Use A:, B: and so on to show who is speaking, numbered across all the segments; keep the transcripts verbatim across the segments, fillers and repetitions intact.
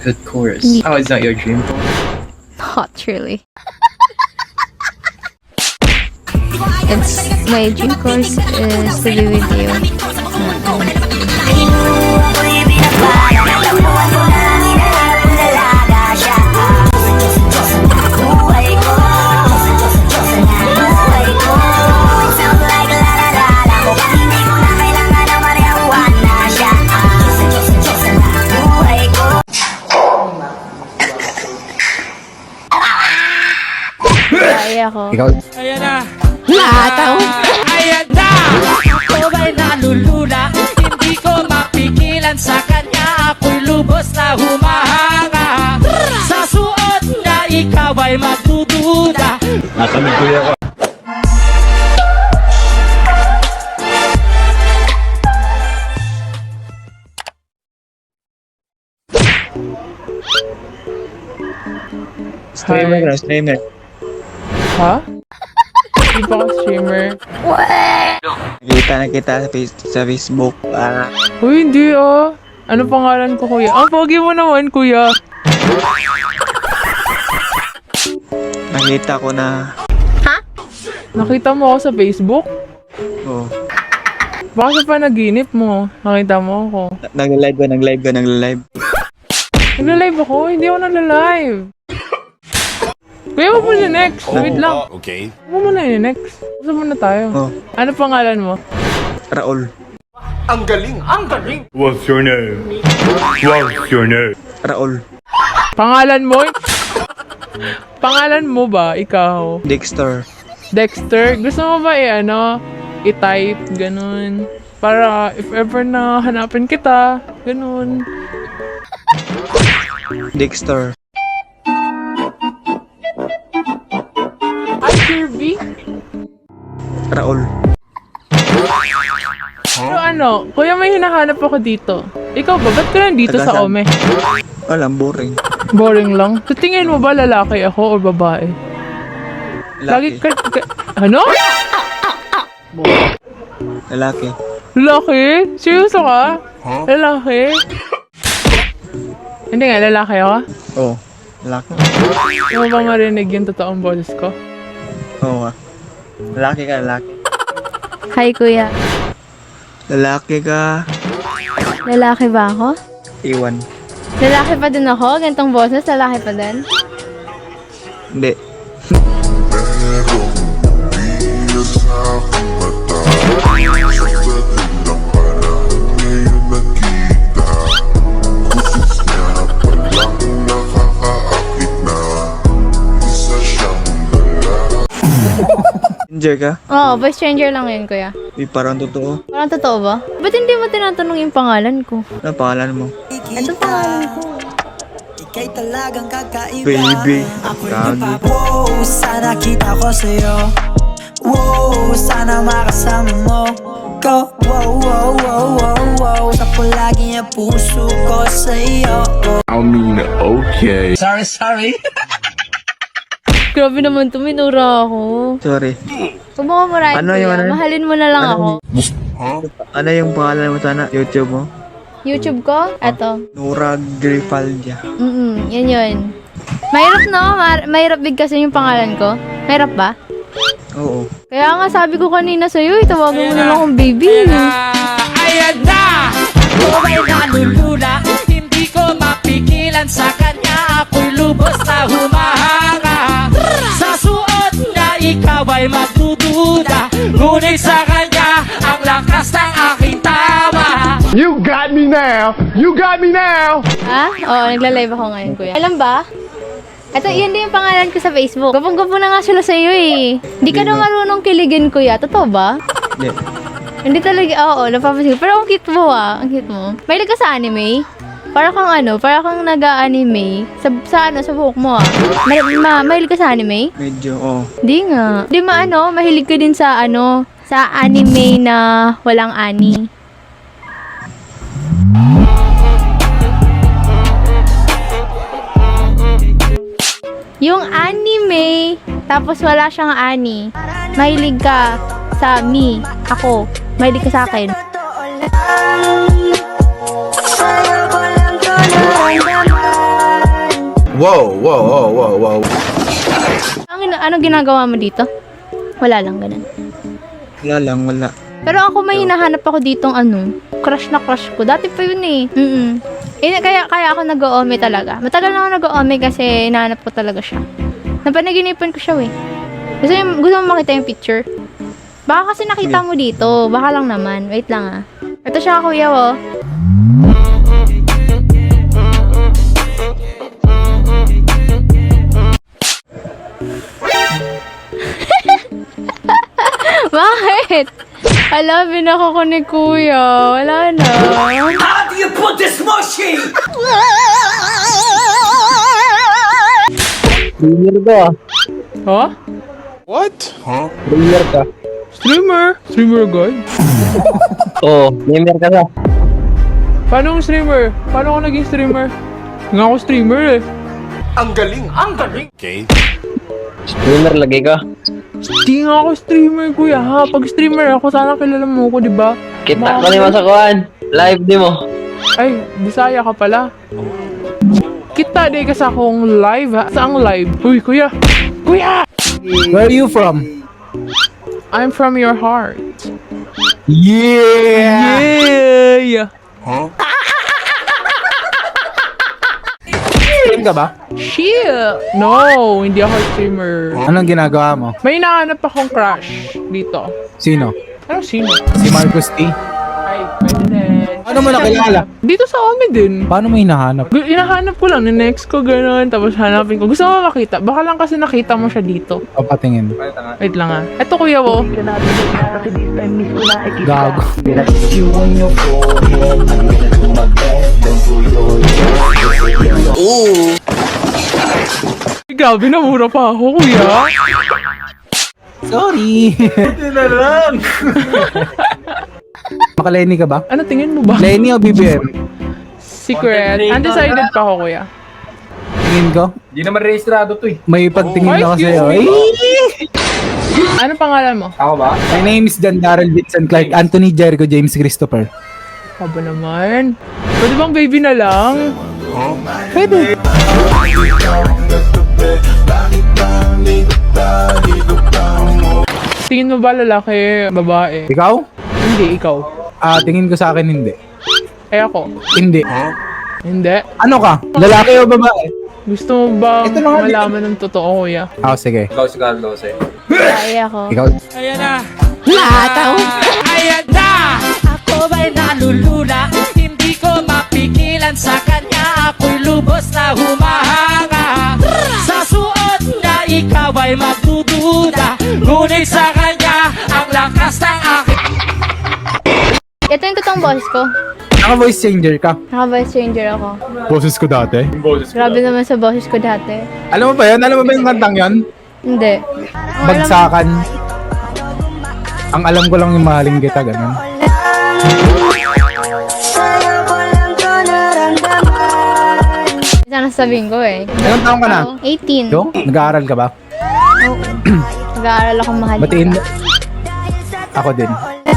A: Of course.
B: Yeah.
A: Oh, is that your dream boy?
B: Not really. It's my dream course is to be with you. Kaya ko.
A: Ikaw,
C: Ayan na!
B: Lataw!
C: Ayan na! Ako ba'y nalulula? Hindi ko mapigilan sa kanya. Ako'y lubos na humahanga. Sa suot niya, ikaw ay magdududa.
D: Nakamig ko ako.
E: Streamer na, streamer.
F: Ha? Hindi pa ako streamer.
E: Nakita na kita sa, face- sa Facebook. Ah,
F: Uy, hindi ah. Ano pangalan ko, kuya? Ang pogi mo naman, kuya.
E: nakita ko na.
F: Nakita mo ako sa Facebook?
E: Oh,
F: Baka sa panaginip mo. Nakita mo ako.
E: na- nag-live ka, nag-live ka, nag-live.
F: Nagla-live ako? Hindi ako nagla-live. Kuya, wag mo na next. Wait lang.
D: Okay.
F: Wag mo na yun next. Gusto mo na tayo.
E: Oh,
F: Ano pangalan mo?
E: Raul.
D: What's your name? What's your name?
E: Raul.
F: Pangalan mo? Pangalan mo ba? Ikaw?
E: Dexter.
F: Dexter? Gusto mo ba i-ano? I-type? Ganun. Para if ever na hanapin kita. Ganun.
E: Dexter.
F: Hi, Kirby.
E: Raul.
F: Pero ano, kuya may hinahanap ako dito. Ikaw ba? Ba't ka nandito sa
E: Taga
F: Ome?
E: Walang boring.
F: Boring lang. Sa tingin mo ba lalaki ako o babae? Lagi
E: Lalaki.
F: ka... ka- ano?
E: Lalaki.
F: Lalaki? Seryoso ka? Lalaki? Hindi nga, lalaki ako?
E: Oh, lalaki.
F: Hindi mo ba marinig yung totoong boses ko?
E: Oo nga. Lalaki ka, lalaki.
B: Hi, kuya.
E: Lalaki ka.
B: Lalaki ba ako?
E: Iwan.
B: Lalaki pa din ako? Gantong boses, lalaki pa din?
E: Hindi. Stranger ka?
B: Oo, by stranger lang yun, kuya.
E: Di parang totoo.
B: Parang totoo ba? Ba't hindi mo tinatanong yung pangalan ko?
E: Ano pangalan mo?
B: Ano pangalan ko?
G: Ika'y talagang kakaiba.
E: Baby.
G: Ako'y
E: Gagi.
G: nagpapa- Wow, sana kita ko sa'yo. Wow, sana makasama mo ko. Wow, wow, wow, wow, wow. Sa palagi ang puso ko sa'yo.
D: I mean, okay.
G: Sorry, sorry.
B: Grabe naman to, minura ako.
E: Sorry.
B: Huwag mo ka marahin,
E: Ano
B: kuya.
E: yung ano?
B: Mahalin mo na lang
E: Ano?
B: ako.
E: Ano yung pangalan mo sana? YouTube mo?
B: YouTube ko? Eto.
E: Nora Grifaldia.
B: Mm-mm, yan yun. Mahirap no? Mar- mahirap bigkasin yung pangalan ko. Mahirap ba?
E: Oo.
B: Kaya nga sabi ko kanina sa'yo, itawagan mo na lang akong baby.
C: Ayan na! Ako ba'y nalulula? Hindi ko mapigilan sa kanya. Ako'y lubos na humahanga. Sa suot niya, ikaw ay magdududa. Ngunit sa kanya, ang lakas ng aking tawa.
D: You got me now! You got me now!
B: Ha? Oo, nagla-live ako ngayon, kuya. Alam ba? Ito, yun din yung pangalan ko sa Facebook. Gapong-gapo na nga sila sa'yo eh. Hindi ka
E: Hindi
B: na
E: na.
B: marunong kiligin, kuya. Totoo ba?
E: Hindi.
B: Hindi talaga, oo, napapansin ko. Pero ang cute mo ah, ang cute mo. Mahilig ka sa anime? Para kang ano, para kang nag-anime. Sa, sa ano, sa buhok mo ah. Ma, ma, mahilig ka sa anime?
E: Medyo, oh.
B: Hindi nga. Hindi ma ano, mahilig ka din sa ano, sa anime na walang ani. Yung anime, tapos wala siyang ani. Mahilig ka sa me, ako. Mahilig ka sa akin.
G: Sa'yo ko lang to naramdaman.
A: Wow, wow, wow, wow, wow.
B: Ang, ina- anong ginagawa mo dito? Wala lang, ganun.
E: Wala lang, wala.
B: Pero ako may hinahanap ako ditong ano, crush na crush ko. Dati pa yun eh. Mm eh kaya, kaya ako nag-o-ome talaga. Matagal na ako nag-o-ome kasi hinahanap ko talaga siya. Napanaginipan ko siya eh. Gusto, mo- gusto mo makita yung picture? Baka kasi nakita mo dito. Baka lang naman. Wait lang ah. Ito siya kuya oh. Bakit? Hala, binako ko ni kuya. Wala na.
C: How do you put this mushy?
E: Streamer ka.
F: Ha?
A: What?
E: Streamer ka.
F: Streamer? Streamer god?
E: Oo, streamer ka ka.
F: Paano ang streamer? Paano ako naging streamer? Nga ako streamer eh.
C: Ang galing, ang galing.
D: Okay.
E: Streamer lagi ka.
F: Di nga ako streamer kuya ha. Pag streamer ako, sana kilala mo ko, di ba?
E: Kita ko ni masakuan. Live di mo.
F: Ay, Bisaya ka pala. Kita di ka sa akong live ha. Saang live? Uy, kuya! Kuya!
A: Where are you from?
F: I'm from your heart.
A: Yeah!
F: Yeah!
A: Stream ka ba?
F: Shit! No, hindi ako streamer.
A: Anong ginagawa mo?
F: May nahanap akong crush dito.
A: Sino?
F: Ano sino?
A: Si Marcos T?
F: Ay, pwede din.
A: Ano mo nakilala?
F: Dito sa Ome din.
A: Paano mo hinahanap?
F: Gu- Inahanap ko lang, ni-next ko gano'n, tapos hanapin ko. Gusto mo makita? Baka lang kasi nakita mo siya dito.
A: O patingin.
F: Wait lang ah. Ito kuya wo.
A: Gago.
F: Ay, grabe, namura pa ako kuya.
A: Sorry. Buti na lang. Maka-Lenny ka ba?
F: Ano tingin mo ba?
A: Lenny o B B M?
F: Secret. Undecided pa ako kuya.
A: Tingin ko.
D: Di naman rehistrado to eh.
A: May pagtingin
F: Oh,
A: ako
F: excuse
A: sa'yo.
F: me.
A: Ay!
F: Ano pangalan mo?
D: Ako ba?
A: My name is John Darrell Vincent Clark Anthony Jericho James Christopher.
F: Haba naman. Pwede bang baby na lang?
A: Pwede.
F: Tingin mo ba lalaki, babae?
A: Ikaw?
F: Hindi, ikaw.
A: Ah, tingin ko sa akin hindi.
F: Eh ako?
A: Hindi.
F: Hindi.
A: Ano ka? Lalaki o babae?
F: Gusto mo ba
A: Ito na nga,
F: malaman ng totoo kuya?
A: Ah, sige.
D: Ikaw si Carlos eh.
B: Kaya ako.
A: Ikaw.
C: Ayan na,
B: Lataw.
C: ayan na. Ako ba'y nalulula? Hindi ko mapigilan sa kanya. Ako'y lubos na humahanga. Sa suot na ikaw ay magdududa. Ngunit sa kanya, ang lakas ng aking
B: Ito yung totoong boss ko.
A: Naka-voice changer ka.
B: Naka-voice changer ako.
A: Boses ko dati.
B: Grabe naman sa boses ko dati.
A: Alam mo ba yun? Alam mo ba yung kantang yun?
B: Hindi. Ang alam-
A: Bagsakan. Ang alam ko lang yung mahaling kita, ganun.
B: Sana sabihin ko eh.
A: Ilang taong ka na?
B: Ako, eighteen.
A: Yo? Nag-aaral ka ba?
B: Oo. Nag-aaral ako mahal.
A: Batiin mo. Ako din.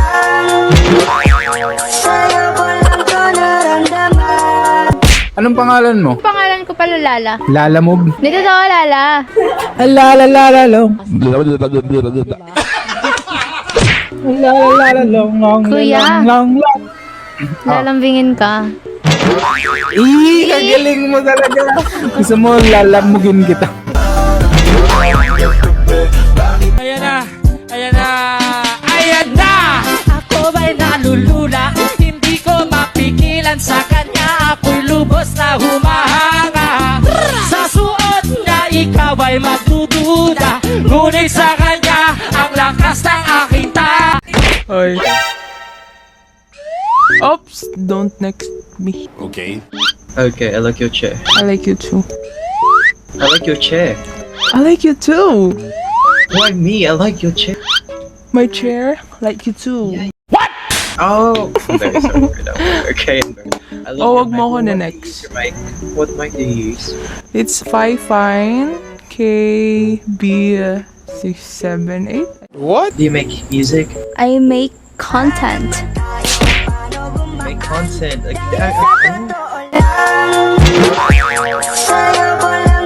A: Anong pangalan mo?
B: Pangalan ko pala Lala.
A: Lala Move?
B: Dito daw Lala.
A: Lala Lala Long. Lala Lala Long Long
B: Kuya.
A: Long Long Long.
B: Lalambingin ka.
A: Ih, kagaling mo talaga. Gusto mo lalamugin kita.
C: Ayan na, ayan na, ayan na. Ako ba'y nalulula? Hindi ko mapigilan sa kanya. Ako'y lubos na humahanga. Sa suot na ikaw ay magdududa. Ngunit sa kanya, ang lakas ng aking ta.
F: Ay. Oops, don't next me.
D: Okay.
E: Okay, I like your chair.
F: I like you too.
E: I like your chair.
F: I like you too.
E: Why me? I like your chair.
F: My chair, like you too.
E: Oh, I'm very sorry for that one. Okay. I love
F: Oh,
E: your
F: wag mo
E: mic.
F: ako
E: What
F: na
E: mic do you
F: next.
E: use? Your mic. What mic do you use?
F: It's five fine K B six seven eight.
E: Do you make music?
B: I make content.
E: Make content? Like, I, I, I,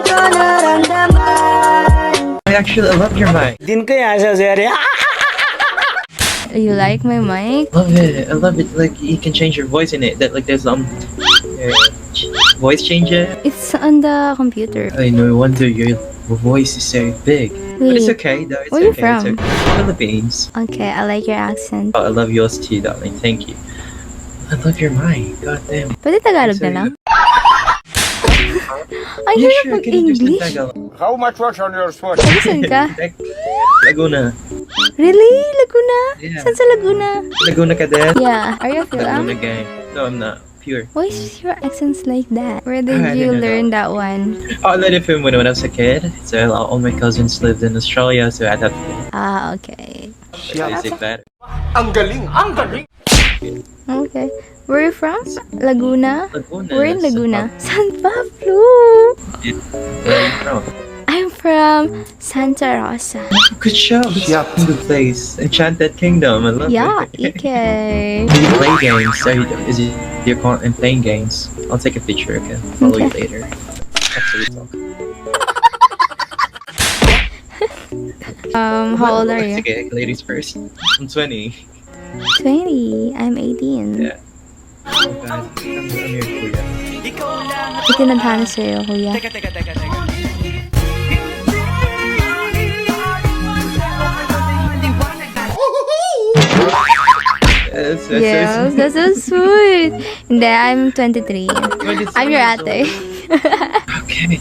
E: actually, I love your mic.
G: Din kaya siya seri.
B: You like my mic?
E: Love it. I love it. Like you can change your voice in it. That like there's um uh, ch- voice changer.
B: It's on the computer.
E: I no wonder your voice is so big. But it's
B: Wait.
E: okay though. It's
B: Where you
E: okay. It's
B: from?
E: okay. Philippines.
B: Okay, I like your accent.
E: Oh, I love yours too, darling. Thank you. I love your mic. God damn.
B: Pwede Tagalog na lang? Ang
E: Yeah,
B: hirap
E: sure. Can you understand
B: mag-English.
E: Tagalog?
B: Saan ka?
E: Like, Laguna.
B: Really? Laguna?
E: Yeah.
B: Saan sa Laguna?
E: Laguna ka din?
B: Yeah. Are you
E: Laguna
B: Philip?
E: gang. No, I'm not. Pure.
B: Why is your accents like that? Where did
E: I
B: you
E: don't know.
B: learn that one?
E: Oh, I learned it from when, when I was a kid. So all my cousins lived in Australia, so I had to
B: Ah, okay.
E: basic that.
B: Okay. Where are you from? Laguna?
E: Laguna.
B: We're in
E: San
B: Laguna.
E: Pablo.
B: San Pablo!
E: Where are you from?
B: I'm from Santa Rosa.
E: Good show. It's a good place. Enchanted Kingdom. I love
B: Yeah,
E: it.
B: okay.
E: Do you play games? Are you, is it your content playing games? I'll take a picture. Okay. Follow you later. After we talk.
B: Um, how old are you?
E: Okay, ladies first. I'm twenty.
B: twenty. I'm eighteen.
E: Yeah. Oh God. I'm, I'm your kuya.
B: Itinadhana sa'yo, kuya.
E: That's, that's
B: Yes,
E: so
B: that's so sweet. Hindi, I'm twenty-three.
E: sweet.
B: I'm your ate.
E: Okay.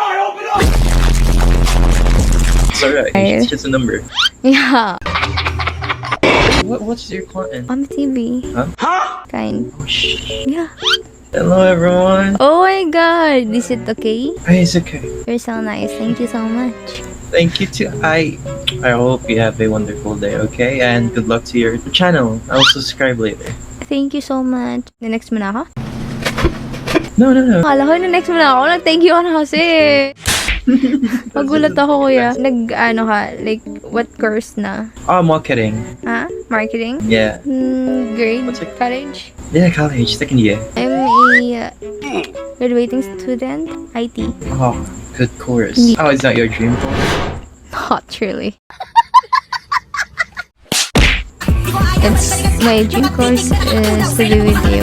E: It's alright. It's just a number.
B: Yeah.
E: What, what's your content?
B: On the T V.
E: Huh?
B: Kind.
E: Oh, shh.
B: Yeah.
E: Hello, everyone.
B: Oh my god. Is it okay?
E: Hey, it's okay.
B: You're so nice. Thank you so much.
E: Thank you too. I I hope you have a wonderful day, okay? And good luck to your channel. I'll subscribe later.
B: Thank you so much. The-next mo na ako?
E: No, no, no.
B: Akala ko na-next mo na ako. Nag-thank you ka na kasi. Magulat ako, kuya. Nag, ano ka, like, what course na?
E: Oh, marketing.
B: Ha? Marketing?
E: Yeah.
B: Hmm, grade?
E: What's it-
B: College?
E: Yeah, college, second year.
B: I'm a uh, graduating student, I T.
E: Oh, good course.
B: Yeah.
E: Oh, is that your dream course?
B: Not really. It's my dream course is to be with you.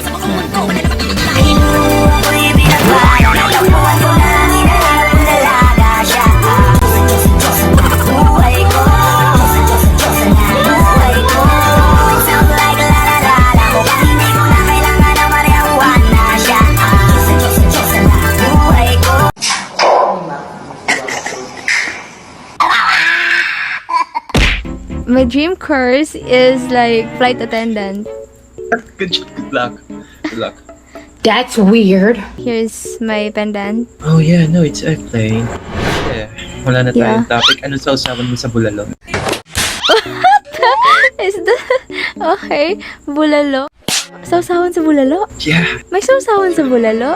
B: My dream course is like flight attendant.
E: Good, job, good luck. Good luck.
H: That's weird.
B: Here's my pendant.
E: Oh yeah, no, it's airplane. Yeah. Wala na tayong
B: Yeah.
E: topic. Ano sa usapan mo sa bulalo?
B: Is that okay? Bulalo. Sausawan sa bulalo?
E: Yeah.
B: May sausawan sa bulalo?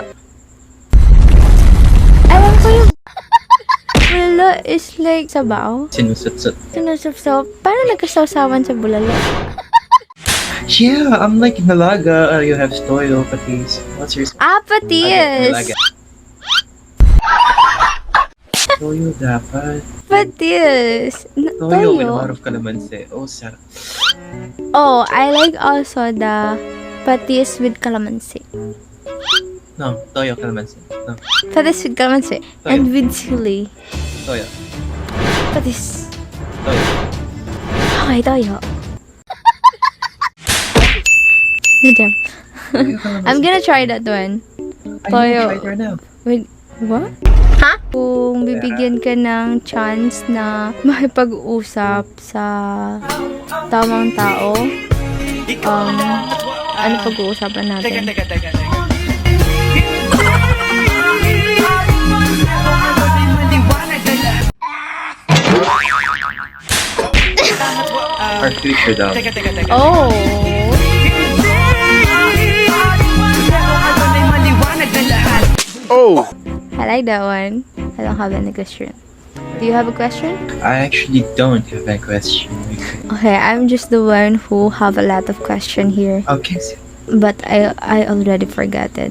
B: Ewan ko yung... bulalo is like sabaw.
E: Sinusot-sot.
B: Sinusapsaw. Paano nagkasawsawan sa bulalo?
E: Yeah, I'm like nalaga. Uh, you have toyo, patis. What's your...
B: Ah,
E: Okay,
B: patis!
E: nalaga. Toyo dapat.
B: Patis! N-
E: Toyo with a
B: Toyo?
E: lot of calamansi. Oh, sarap.
B: Oh, I like also the patis with calamansi.
E: No, toyo calamansi. No,
B: Patis with calamansi.
E: Toyo.
B: And with chili.
E: toyo.
B: Patis.
E: Toyo.
B: Okay, toyo. Good job.
E: Toyo calamansi.
B: I'm gonna try that one.
E: I
B: Toyo.
E: know, try it right now.
B: Wait, what? Ha? Kung bibigyan ka ng chance na makipag-usap sa tamang tao, um, ano pag-uusapan natin?
E: Our future daw.
B: Oh!
A: Oh!
B: I like that one. I don't have any question. Do you have a question?
E: I actually don't have a question.
B: Okay, I'm just the one who have a lot of question here,
E: Okay, so
B: but I I already forgot it.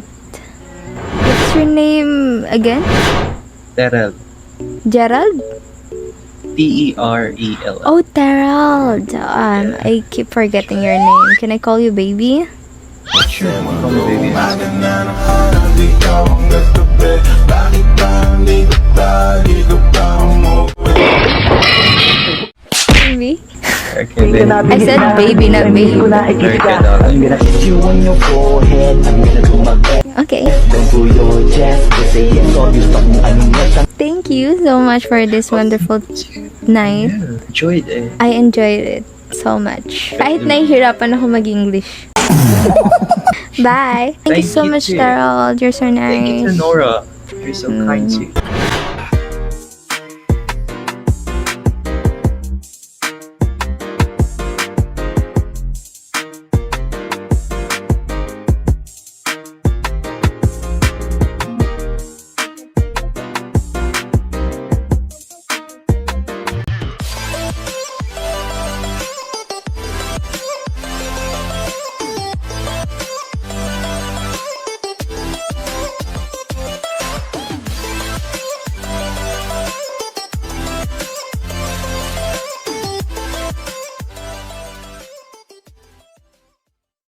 B: What's your name again?
E: Daryl.
B: Gerald?
E: T E R E L L.
B: Oh, Terald. Um, I keep forgetting your name. Can I call you baby?
E: Sure, call me baby.
B: Baby?
E: Okay, baby.
B: I said baby, not baby.
E: Very good, darling.
B: Okay. Thank you so much for this wonderful night.
E: Yeah, enjoyed it.
B: I enjoyed it so much. Kahit nahihirapan ako mag-English. Bye. Thank, you
E: Thank
B: so
E: you
B: much,
E: too.
B: Terald. You're so
E: Thank you to
B: nice.
E: Nora. You're so kind too.